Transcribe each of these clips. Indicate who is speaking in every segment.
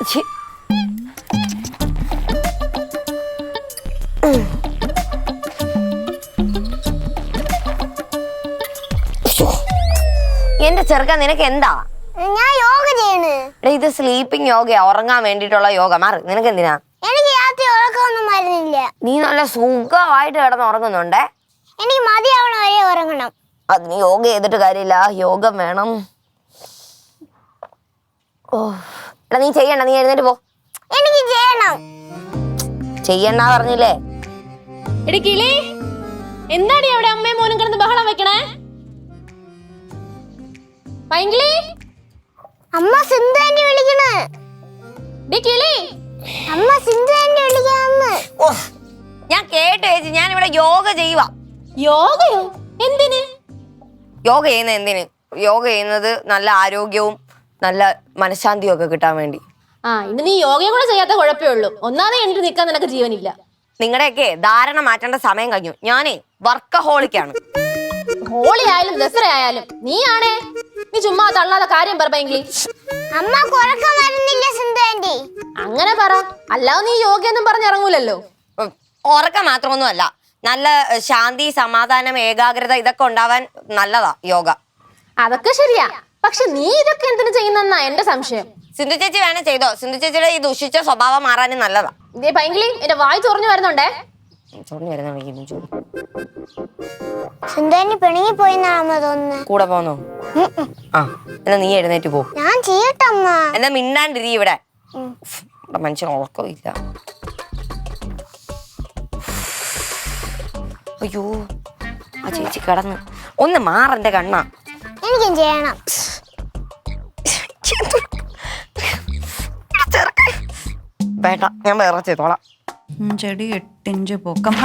Speaker 1: എന്റെ ചെറുക്കൻ നിനക്ക് എന്താ?
Speaker 2: ഞാൻ യോഗ ചെയ്യണ്.
Speaker 1: ഇത് സ്ലീപ്പിംഗ് യോഗയാ, ഉറങ്ങാൻ വേണ്ടിട്ടുള്ള യോഗ. മാറി, നിനക്ക് എന്തിനാ?
Speaker 2: എനിക്ക് രാത്രി ഉറക്കമൊന്നും വരുന്നില്ല.
Speaker 1: നീ നല്ല സുഖമായിട്ട് കിടന്ന് ഉറങ്ങുന്നുണ്ടേ.
Speaker 2: എനിക്ക് മതിയാവണ വരെ ഉറങ്ങണം.
Speaker 1: അതിന് യോഗ ചെയ്തിട്ട് കാര്യമില്ല, യോഗം വേണം. ഓ എടാ, നീ ചെയ്യണ്ട, നീ എഴുന്നേറ്റ് പോ.
Speaker 2: എനിക്ക് ചെയ്യണം.
Speaker 1: ചെയ്യണ്ട പറഞ്ഞില്ലേ?
Speaker 3: എടി കിളി, എന്താടി അവിടെ അമ്മയും മോനും കിടന്ന് ബഹളം വെക്കണേ? പൈങ്കിളി,
Speaker 2: അമ്മ സിന്ധു ആന്റി വിളിക്കണ്.
Speaker 3: ഡി കിളി,
Speaker 2: അമ്മ സിന്ധു ആന്റി വിളിക്കാന്ന്.
Speaker 1: ഞാൻ കേട്ടു ചേച്ചി, ഞാൻ ഇവിടെ യോഗ ചെയ്യുക.
Speaker 3: യോഗയോ? എന്തിന്
Speaker 1: യോഗ ചെയ്യുന്നത്? എന്തിന് യോഗ ചെയ്യുന്നത്? നല്ല ആരോഗ്യവും നല്ല മനഃശാന്തിയും ഒക്കെ കിട്ടാൻ വേണ്ടി.
Speaker 3: ഇന്ന് നീ യോഗയും കൂടെ ചെയ്യാത്ത കുഴപ്പമേ ഉള്ളൂ. ഒന്നാമത് എണീറ്റ് നിൽക്കാൻ നിനക്ക് ജീവനില്ല.
Speaker 1: നിങ്ങളുടെയൊക്കെ ധാരണ മാറ്റേണ്ട സമയം കഴിഞ്ഞു. ഞാനേ വർക്കഹോളിക്കാണ്.
Speaker 3: ഹോളി ആയാലും ദസറ ആയാലും നീയാണേ. നീ ചുമ്മാ തള്ളാതെ കാര്യം പറ പൈങ്കിളി.
Speaker 2: അമ്മ ഉറക്കം വരുന്നില്ല സിന്ധു ആന്റി.
Speaker 3: അങ്ങനെ പറ, അല്ലാതെ നീ യോഗയൊന്നും പറഞ്ഞിറങ്ങൂലല്ലോ.
Speaker 1: ഉറക്കം മാത്രമൊന്നും അല്ല, നല്ല ശാന്തി, സമാധാനം, ഏകാഗ്രത ഇതൊക്കെ ഉണ്ടാവാൻ നല്ലതാ യോഗ.
Speaker 3: അതൊക്കെ ശരിയാ, പക്ഷെ നീ ഇതൊക്കെ എന്തിനു ചെയ്യുന്നെന്നാ എന്റെ സംശയം.
Speaker 1: സിന്ധു ചേച്ചി വേണേ ചെയ്തോ. സിന്ധു ചേച്ചിയുടെ ഈ ദുഷിച്ച സ്വഭാവം മാറാനും നല്ലതാ.
Speaker 3: ഇതേ പൈങ്കിളി, എന്റെ വായി തുറഞ്ഞു വരുന്നുണ്ടേ.
Speaker 2: സിന്ധു ആന്റി പിണങ്ങി പോയിന്നാണ് തോന്നുന്നത്.
Speaker 1: കൂടെ പോന്നോ? ആ എന്നാ നീ എഴുന്നേറ്റ് പോ.
Speaker 2: ഞാൻ ചെയ്യട്ടെ അമ്മ.
Speaker 1: എന്നാ മിണ്ടാണ്ടിരി. ഇവിടെ മനുഷ്യൻ ഉറക്കം ഇല്ല. അയ്യോ, ആ ചേച്ചി കിടന്ന്. ഒന്ന് മാറന്റെ കണ്ണാ.
Speaker 2: എനിക്കും ചെയ്യണം.
Speaker 1: വേണ്ട, ഞാൻ വേറെ ചെയ്തോളാം.
Speaker 4: ചെടി 8 ഇഞ്ച് പൊക്കം.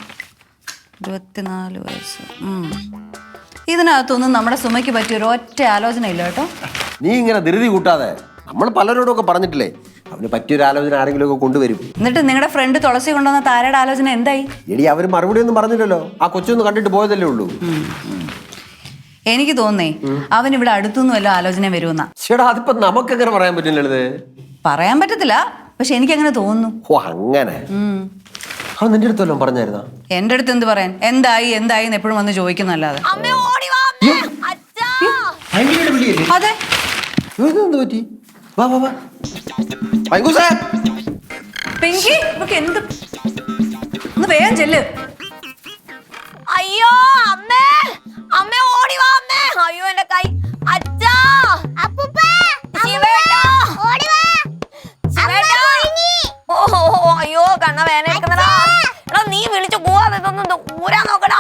Speaker 4: 24 വയസ്സ്. ഇതിനകത്തൊന്നും നമ്മുടെ സുമയ്ക്ക് പറ്റിയ ഒരു ഒറ്റ ആലോചന ഇല്ല കേട്ടോ.
Speaker 5: നീ ഇങ്ങനെ ധൃതി കൂട്ടാതെ. നമ്മൾ പലരോടും ഒക്കെ പറഞ്ഞിട്ടില്ലേ, അവന് പറ്റിയൊരു ആലോചന ആരെങ്കിലും ഒക്കെ കൊണ്ടുവരും.
Speaker 4: എന്നിട്ട് നിങ്ങളുടെ ഫ്രണ്ട് തുളസി കൊണ്ടുവന്ന താരയുടെ ആലോചന എന്തായി?
Speaker 5: എടി, അവര് മറുപടി ഒന്നും പറഞ്ഞില്ലല്ലോ. ആ കൊച്ചൊന്ന് കണ്ടിട്ട് പോയതല്ലേ ഉള്ളൂ.
Speaker 4: എനിക്ക് തോന്നേ അവൻ ഇവിടെ അടുത്തൊന്നും വല്ല ആലോചന വരുമെന്നാ.
Speaker 5: ചേട്ടാ, അതിപ്പോ നമുക്കെങ്ങനെ പറയാൻ പറ്റില്ലത്? പറയാൻ
Speaker 4: പറ്റത്തില്ല, പക്ഷെ എനിക്കങ്ങനെ തോന്നുന്നു.
Speaker 5: ഓ അങ്ങനെ. അവൻ നിന്റെ അടുത്ത് വല്ലതും പറഞ്ഞായിരുന്നാ?
Speaker 4: എന്റെ അടുത്ത് എന്ത് പറയാൻ? എന്തായി എന്തായി എന്ന് എപ്പോഴും വന്ന് ചോദിക്കുന്നല്ലാതെ. അതെ,
Speaker 5: എന്ത് പറ്റി? വാ വാ വാ. പൈങ്കൂസേ,
Speaker 4: പിങ്കി, ഇവക്ക് എന്ത്? ഒന്ന് വേഗം ചെല്ല്.
Speaker 1: അയ്യോ അമ്മേ, അമ്മേ ഓടി വാ അമ്മേ. അയ്യോ എന്റെ കൈ. അച്ഛാ,
Speaker 2: അപ്പൂപ്പാ,
Speaker 1: ശിവേട്ടാ,
Speaker 2: ഓടി വാ.
Speaker 1: ശിവേട്ടാ. ഓ അയ്യോ, കണ്ണ വേന എടുക്കുന്നടാ. എടാ, നീ വിളിച്ചു പോവാതെ ഇതൊന്നും ഊരാൻ നോക്കടാ.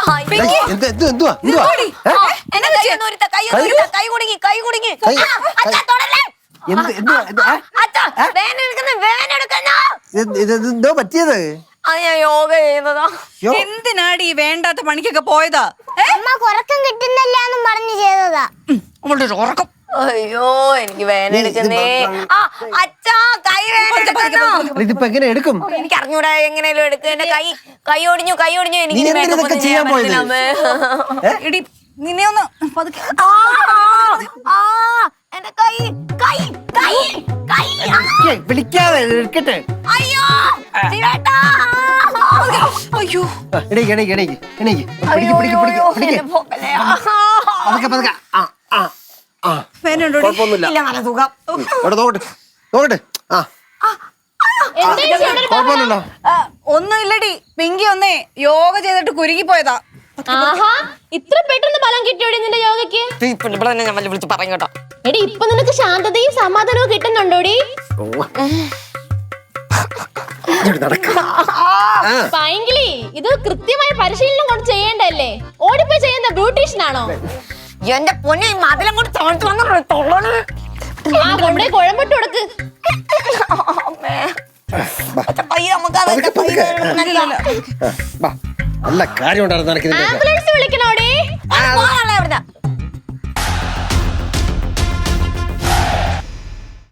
Speaker 1: എന്നെ കൈ കുടുങ്ങി, കൈ കുടുങ്ങി. അച്ഛാ തൊടല്ലേ. അച്ഛാ, വേന എടുക്കുന്ന, വേന എടുക്കുന്ന.
Speaker 5: എന്തോ പറ്റിയത്?
Speaker 1: അത് ഞാൻ യോഗ ചെയ്യുന്നതാ.
Speaker 4: എന്തിനാടി വേണ്ടാത്ത പണിക്കൊക്കെ പോയതാ?
Speaker 2: അമ്മ ഉറക്കം കിട്ടുന്നില്ലാന്നും പറഞ്ഞു ചെയ്തതാ.
Speaker 4: ഉറക്കം.
Speaker 1: അയ്യോ, എനിക്ക് വേന എടുക്കുന്നേ. അച്ഛാ, കൈ വേന എടുക്കുന്നു.
Speaker 5: ഇതിപ്പോ എങ്ങനെ എടുക്കും?
Speaker 1: എനിക്ക് അറിഞ്ഞൂടാ എങ്ങനെയാലും എടുക്കുക. എന്റെ കൈ ഒടിഞ്ഞു, കൈ ഒടിഞ്ഞു. എനിക്ക്
Speaker 5: ചെയ്യാൻ പോയത്?
Speaker 4: എടി, നിന്നെ ഒന്ന്
Speaker 1: എന്റെ കൈ കൈ കൈ കൈ.
Speaker 5: വിളിക്കാതെ എടുക്കട്ടെ.
Speaker 1: അയ്യോ ശിവേട്ടാ.
Speaker 4: അയ്യോ,
Speaker 5: എണീക്ക് എണീക്ക് എണീക്ക് എണീക്ക്.
Speaker 1: അയ്യോ,
Speaker 5: പിടിക്ക് പിടിക്ക്
Speaker 1: അയ്യോ,
Speaker 5: പിടിക്ക്.
Speaker 1: എന്റെ പോക്കല്ലേ.
Speaker 5: പതുക്കെ പതുക്കെ. കുഴപ്പമൊന്നുമില്ല.
Speaker 1: ഇല്ല, നല്ല സുഖം.
Speaker 5: ഇവിടെ നോക്കട്ടെ നോക്കട്ടെ. കുഴപ്പമില്ലല്ലോ.
Speaker 4: ഒന്നുമില്ലടി, പിങ്കി ഒന്നേ യോഗ ചെയ്തിട്ട് കുരുങ്ങി പോയതാ.
Speaker 3: ആഹാ, ഇത്ര പെട്ടെന്ന് ബലം കിട്ടിയോടി നിന്റെ യോഗയ്ക്ക്?
Speaker 1: ഇവിടെ തന്നെ ഞാൻ വിളിച്ച് പറയും കേട്ടോ.
Speaker 3: എടി, ഇപ്പൊ നിനക്ക് ശാന്തതയും സമാധാനവും കിട്ടുന്നുണ്ടോടി? പൈങ്കിളി, ഇത് കൃത്യമായ പരിശീലനം കൊണ്ട് ചെയ്യേണ്ടല്ലേ? ഓടിപ്പോയി ചെയ്യുന്ന ബ്യൂട്ടീഷ്യൻ ആണോ?
Speaker 1: എന്റെ പൊന്നെ, മതിലും കൂടി തോന്നിട്ട് വന്നു.
Speaker 3: നമ്മുടെ കുഴമ്പിട്ട് കൊടുക്ക്.
Speaker 5: നല്ല കാര്യം ഉണ്ടായിരുന്നു.
Speaker 3: ആംബുലൻസ് വിളിക്കണോടി?